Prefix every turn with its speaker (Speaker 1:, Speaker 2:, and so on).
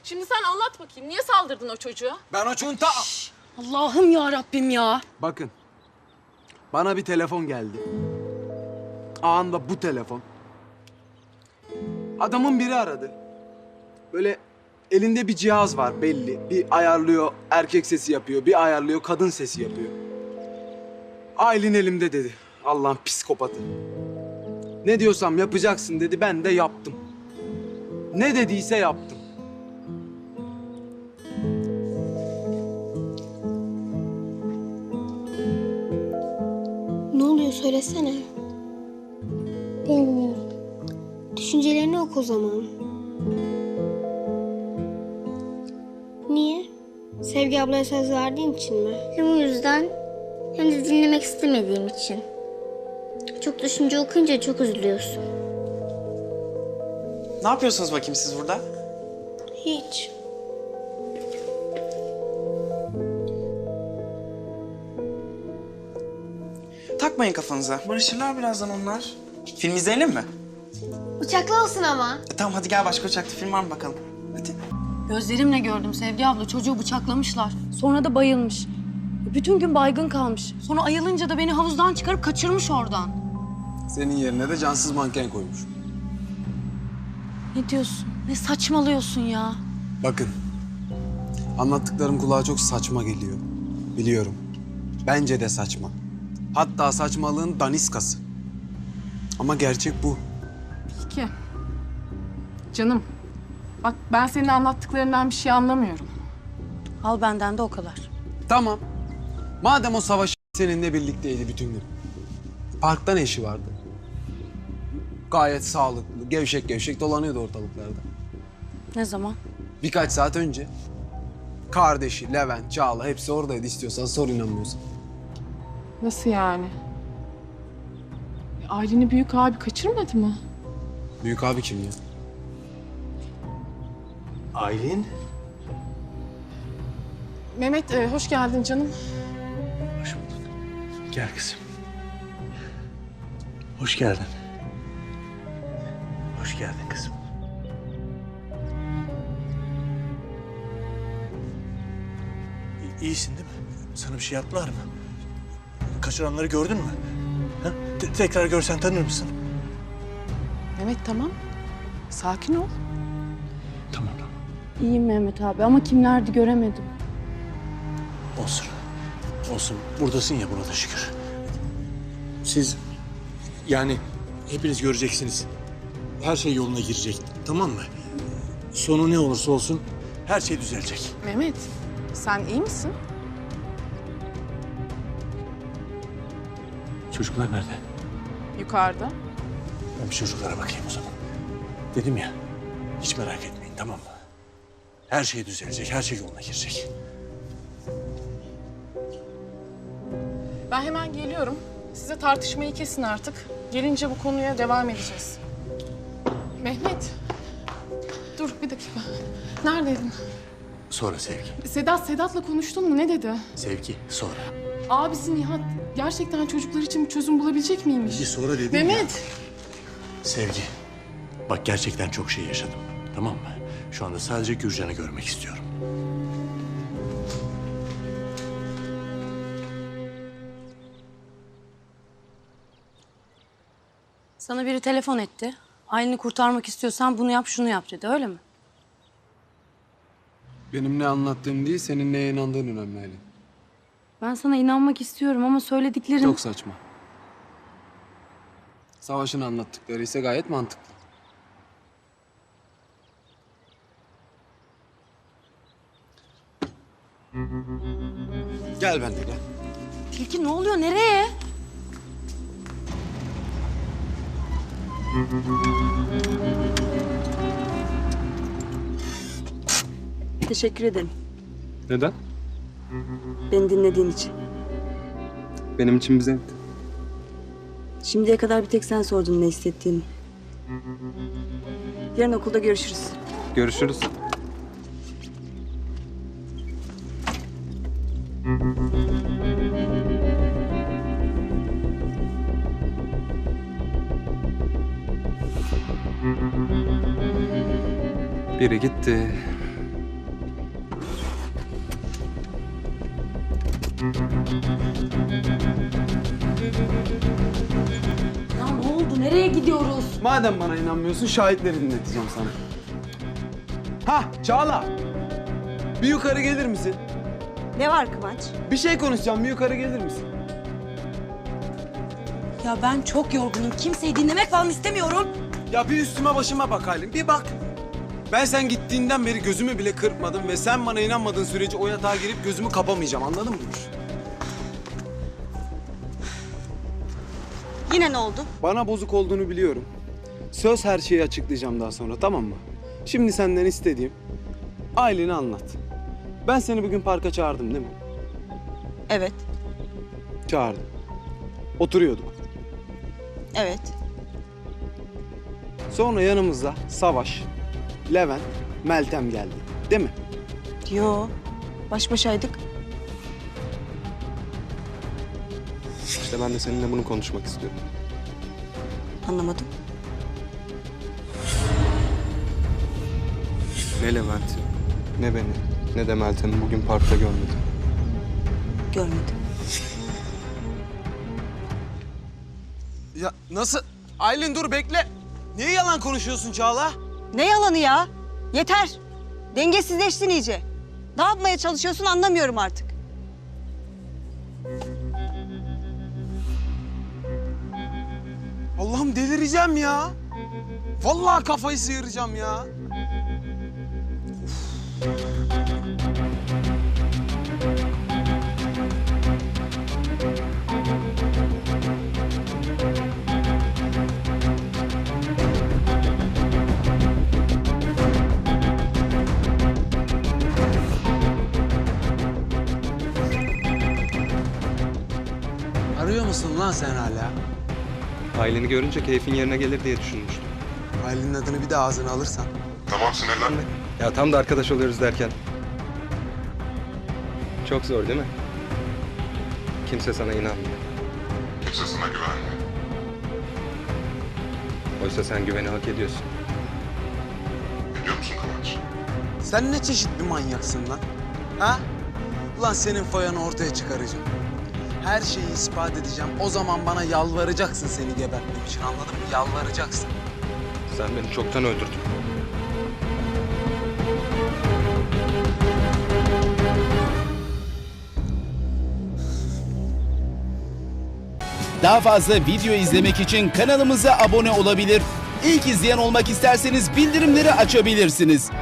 Speaker 1: Şimdi sen anlat bakayım. Niye saldırdın o çocuğa?
Speaker 2: Ben o çocuğun
Speaker 3: Allah'ım ya Rabbim ya.
Speaker 2: Bakın. Bana bir telefon geldi. Anında bu telefon. Adamın biri aradı. Böyle elinde bir cihaz var belli. Bir ayarlıyor erkek sesi yapıyor, bir ayarlıyor kadın sesi yapıyor. Aylin elimde dedi. Allah'ın psikopatı. Ne diyorsam yapacaksın dedi, ben de yaptım. Ne dediyse yaptım.
Speaker 4: Ne oluyor söylesene. Bilmiyorum. Düşüncelerini oku o zaman. Niye? Sevgi ablaya söz verdiğin için mi?
Speaker 5: Hem o yüzden hem de dinlemek istemediğim için. Çok düşünce okuyunca çok üzülüyorsun.
Speaker 6: Ne yapıyorsunuz bakayım siz burada?
Speaker 4: Hiç.
Speaker 6: Takmayın kafanıza. Barışırlar birazdan onlar. Film izleyelim mi?
Speaker 4: Uçaklı olsun ama.
Speaker 6: Tamam hadi gel, başka uçakta film var mı bakalım? Hadi.
Speaker 3: Gözlerimle gördüm Sevgi abla. Çocuğu bıçaklamışlar. Sonra da bayılmış. Bütün gün baygın kalmış. Sonra ayılınca da beni havuzdan çıkarıp kaçırmış oradan.
Speaker 2: Senin yerine de cansız manken koymuş.
Speaker 3: Ne diyorsun? Ne saçmalıyorsun ya?
Speaker 2: Bakın, anlattıklarım kulağa çok saçma geliyor. Biliyorum. Bence de saçma. Hatta saçmalığın daniskası. Ama gerçek bu.
Speaker 1: Peki. Canım, bak ben senin anlattıklarından bir şey anlamıyorum.
Speaker 3: Al benden de o kadar.
Speaker 2: Tamam. Madem o savaş seninle birlikteydi bütün gün. Parkta ne işi vardı? Gayet sağlıklı, gevşek gevşek dolanıyordu ortalıklarda.
Speaker 3: Ne zaman?
Speaker 2: Birkaç saat önce. Kardeşi, Levent, Çağla hepsi oradaydı, istiyorsan sor, inanmıyorsan.
Speaker 1: Nasıl yani? Aylin'i büyük abi kaçırmadı mı?
Speaker 2: Büyük abi kim ya?
Speaker 7: Aylin?
Speaker 1: Mehmet, hoş geldin canım.
Speaker 7: Hoş bulduk. Gel kızım. Hoş geldin. Hoş geldin kızım. İyisin değil mi? Sana bir şey yaptılar mı? Kaçıranları gördün mü? Ha? Tekrar görsen tanır mısın?
Speaker 1: Mehmet tamam. Sakin ol.
Speaker 7: Tamam tamam.
Speaker 3: İyiyim Mehmet abi ama kimlerdi göremedim.
Speaker 7: Olsun. Olsun. Buradasın ya, buna da şükür. Siz yani hepiniz göreceksiniz. Her şey yoluna girecek. Tamam mı? Sonu ne olursa olsun her şey düzelecek.
Speaker 1: Mehmet, sen iyi misin?
Speaker 7: Çocuklar nerede?
Speaker 1: Yukarıda.
Speaker 7: Ben bir çocuklara bakayım o zaman. Dedim ya, hiç merak etmeyin, tamam mı? Her şey düzelecek, her şey yoluna girecek.
Speaker 1: Ben hemen geliyorum. Size tartışmayı kesin artık. Gelince bu konuya devam edeceğiz. Mehmet. Dur bir dakika. Neredeydin?
Speaker 7: Sonra Sevgi.
Speaker 1: Sedat'la konuştun mu? Ne dedi?
Speaker 7: Sevgi, sonra.
Speaker 1: Abisi Nihat gerçekten çocuklar için bir çözüm bulabilecek miymiş?
Speaker 7: Bir sonra dedim ya.
Speaker 1: Mehmet.
Speaker 7: Sevgi, bak gerçekten çok şey yaşadım, tamam mı? Şu anda sadece Gürcan'ı görmek istiyorum.
Speaker 3: Sana biri telefon etti. Aylin'i kurtarmak istiyorsan bunu yap, şunu yap dedi. Öyle mi?
Speaker 2: Benim ne anlattığım değil, senin neye inandığın önemli Aylin.
Speaker 3: Ben sana inanmak istiyorum ama söylediklerin...
Speaker 2: Çok saçma. Savaş'ın anlattıkları ise gayet mantıklı. Gel benimle gel.
Speaker 3: Tilki ne oluyor? Nereye? Teşekkür ederim.
Speaker 2: Neden?
Speaker 3: Beni dinlediğin için.
Speaker 2: Benim için bir zevkti.
Speaker 3: Şimdiye kadar bir tek sen sordun ne hissettiğini. Yarın okulda görüşürüz.
Speaker 2: Görüşürüz. Biri gitti.
Speaker 3: Ya ne oldu? Nereye gidiyoruz?
Speaker 2: Madem bana inanmıyorsun şahitleri dinleteceğim sana. Hah Çağla. Bir yukarı gelir misin?
Speaker 8: Ne var Kıvanç?
Speaker 2: Bir şey konuşacağım. Bir yukarı gelir misin?
Speaker 3: Ya ben çok yorgunum. Kimseyi dinlemek falan istemiyorum.
Speaker 2: Ya bir üstüme başıma bak Aylin. Bir bak. Ben sen gittiğinden beri gözümü bile kırpmadım ve sen bana inanmadığın sürece o yatağa girip gözümü kapamayacağım. Anladın mı?
Speaker 8: Yine ne oldu?
Speaker 2: Bana bozuk olduğunu biliyorum. Söz her şeyi açıklayacağım daha sonra, tamam mı? Şimdi senden istediğim Aylin'i anlat. Ben seni bugün parka çağırdım değil mi?
Speaker 8: Evet,
Speaker 2: Çağırdım. Oturuyorduk.
Speaker 8: evet.
Speaker 2: Sonra yanımıza Savaş, Levent, Meltem geldi. Değil mi?
Speaker 8: Yo, baş başaydık.
Speaker 9: İşte ben de seninle bunu konuşmak istiyorum.
Speaker 8: Anlamadım.
Speaker 9: Ne Levent'i, ne beni, ne de Meltem'i bugün parkta görmedim.
Speaker 8: Görmedim.
Speaker 2: Ya nasıl? Aylin dur bekle. Niye yalan konuşuyorsun Çağla?
Speaker 8: Ne yalanı ya? Yeter. Dengesizleştin iyice. Ne yapmaya çalışıyorsun anlamıyorum artık.
Speaker 2: Allah'ım delireceğim ya. Vallahi kafayı sıyıracağım ya. Arıyor musun lan sen hala?
Speaker 9: Aylin'i görünce keyfin yerine gelir diye düşünmüştüm.
Speaker 2: Aylin'in adını bir de ağzına alırsan.
Speaker 10: Tamam sinirlenme.
Speaker 9: Ya tam da arkadaş oluyoruz derken. Çok zor değil mi? Kimse sana inanmıyor.
Speaker 10: Kimse sana güvenmiyor.
Speaker 9: Oysa sen güveni hak ediyorsun.
Speaker 10: Biliyor musun Kıvanç?
Speaker 2: Sen ne çeşit bir manyaksın lan? Ha? Ulan senin foyanı ortaya çıkaracağım. Her şeyi ispat edeceğim. O zaman bana yalvaracaksın seni gebertmek için, anladın mı? Yalvaracaksın.
Speaker 9: Sen beni çoktan öldürdün.
Speaker 11: Daha fazla video izlemek için kanalımıza abone olabilir. İlk izleyen olmak isterseniz bildirimleri açabilirsiniz.